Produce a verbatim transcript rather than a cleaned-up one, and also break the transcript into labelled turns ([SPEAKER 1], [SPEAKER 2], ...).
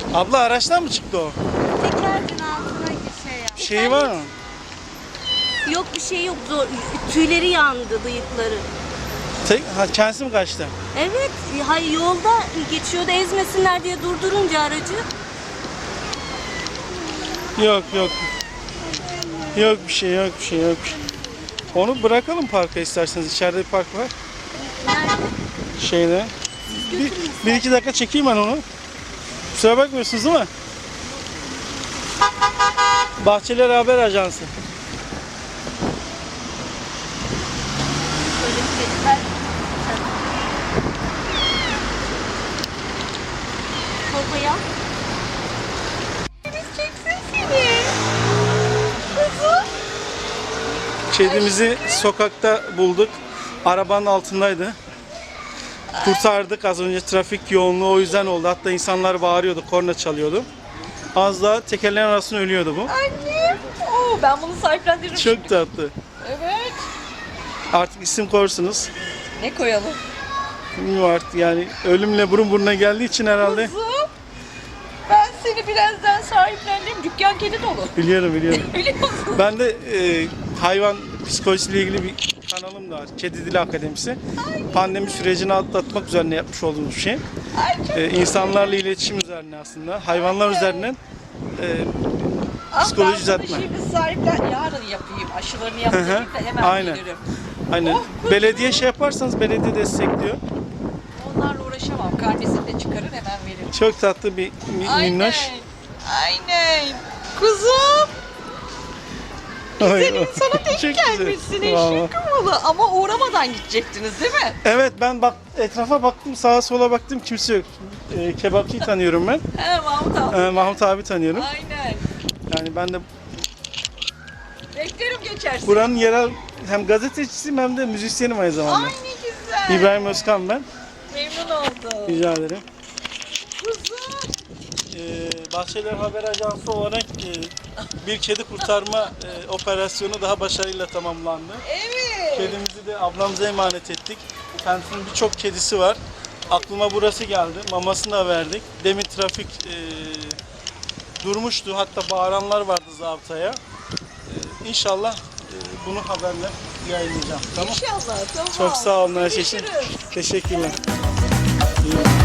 [SPEAKER 1] Abla araçtan mı çıktı o?
[SPEAKER 2] Tekerin altına bir şey yaptı.
[SPEAKER 1] Şeyi var mı?
[SPEAKER 2] Yok bir şey yok. Zor. Tüyleri yandı, bıyıkları.
[SPEAKER 1] Tek, ha, kendisi mi kaçtı?
[SPEAKER 2] Evet, hayır yolda geçiyordu ezmesinler diye durdurunca aracı.
[SPEAKER 1] Yok yok. Yok bir şey yok bir şey yok bir şey. Onu bırakalım parka isterseniz. İçeride bir park var.
[SPEAKER 2] Nerede?
[SPEAKER 1] Şeyde. Bir, bir iki dakika çekeyim ben onu. Kusura bakmıyorsunuz değil mi? Bahçeler Haber Ajansı.
[SPEAKER 2] Böyle kediler. Babaya. Biz çeksin seni. Kızım.
[SPEAKER 1] Kedimizi sokakta bulduk. Arabanın altındaydı. Kurtardık. Az önce trafik yoğunluğu o yüzden oldu. Hatta insanlar bağırıyordu, korna çalıyordu. Az daha tekerleğin arasında ölüyordu bu.
[SPEAKER 3] Annem. Oo, ben bunu sahiplendiririm.
[SPEAKER 1] Çok tatlı.
[SPEAKER 3] Evet.
[SPEAKER 1] Artık isim koyarsunuz.
[SPEAKER 3] Ne koyalım?
[SPEAKER 1] Bilmiyorum artık yani ölümle burun buruna geldiği için herhalde.
[SPEAKER 3] Kuzum. Ben seni birazdan sahiplendireyim. Dükkan kedi dolu.
[SPEAKER 1] Biliyorum biliyorum.
[SPEAKER 3] Biliyor musun?
[SPEAKER 1] Ben de e, hayvan psikolojisiyle ilgili bir kanalım da var. Kedi Dili Akademisi. Pandemi sürecini atlatmak üzerine yapmış olduğumuz bir şey.
[SPEAKER 3] Ay çok
[SPEAKER 1] E, insanlarla iletişim üzerine aslında. Hayvanlar üzerinden e,
[SPEAKER 3] Ah,
[SPEAKER 1] psikoloji
[SPEAKER 3] ben bunu
[SPEAKER 1] düzeltme.
[SPEAKER 3] şimdi sahiplen... Yarın yapayım. Aşılarını yaptırayım da hemen
[SPEAKER 1] Aynen.
[SPEAKER 3] gelirim.
[SPEAKER 1] Aynen.
[SPEAKER 3] Oh, kuzum.
[SPEAKER 1] Belediye şey yaparsanız belediye destekliyor.
[SPEAKER 3] Onlarla uğraşamam. Karnesini de çıkarır hemen veririm.
[SPEAKER 1] Çok tatlı bir mi-
[SPEAKER 3] Aynen.
[SPEAKER 1] minnoş.
[SPEAKER 3] Aynen. Kuzum.
[SPEAKER 1] Ay,
[SPEAKER 3] Senin sana
[SPEAKER 1] çok
[SPEAKER 3] denk
[SPEAKER 1] güzel.
[SPEAKER 3] gelmişsin
[SPEAKER 1] Vallahi.
[SPEAKER 3] eşek kumalı. Ama uğramadan gidecektiniz değil mi?
[SPEAKER 1] Evet ben bak etrafa baktım, sağa sola baktım, kimse yok. E, kebapçıyı tanıyorum ben.
[SPEAKER 3] He Mahmut abi.
[SPEAKER 1] E, Mahmut abi tanıyorum.
[SPEAKER 3] Aynen.
[SPEAKER 1] Yani ben de
[SPEAKER 3] Beklerim geçersin.
[SPEAKER 1] buranın yerel hem gazetecisiyim hem de müzisyenim aynı zamanda.
[SPEAKER 3] Ay ne güzel.
[SPEAKER 1] İbrahim Özkan ben.
[SPEAKER 3] Memnun oldum.
[SPEAKER 1] Rica ederim.
[SPEAKER 3] Kuzum.
[SPEAKER 1] Ee, Bahçeler Haber Ajansı olarak e, bir kedi kurtarma e, operasyonu daha başarıyla tamamlandı.
[SPEAKER 3] Evet.
[SPEAKER 1] Kedimizi de ablamıza emanet ettik. Kendisinin birçok kedisi var. Aklıma burası geldi. Mamasını da verdik. Demin trafik e, durmuştu. Hatta bağıranlar vardı zabıtaya. E, İnşallah e, bunu haberle yayınlayacağım. Tamam.
[SPEAKER 3] İnşallah tamam.
[SPEAKER 1] Çok sağ olun her şey için.
[SPEAKER 3] Görüşürüz.
[SPEAKER 1] Teşekkürler. İyi.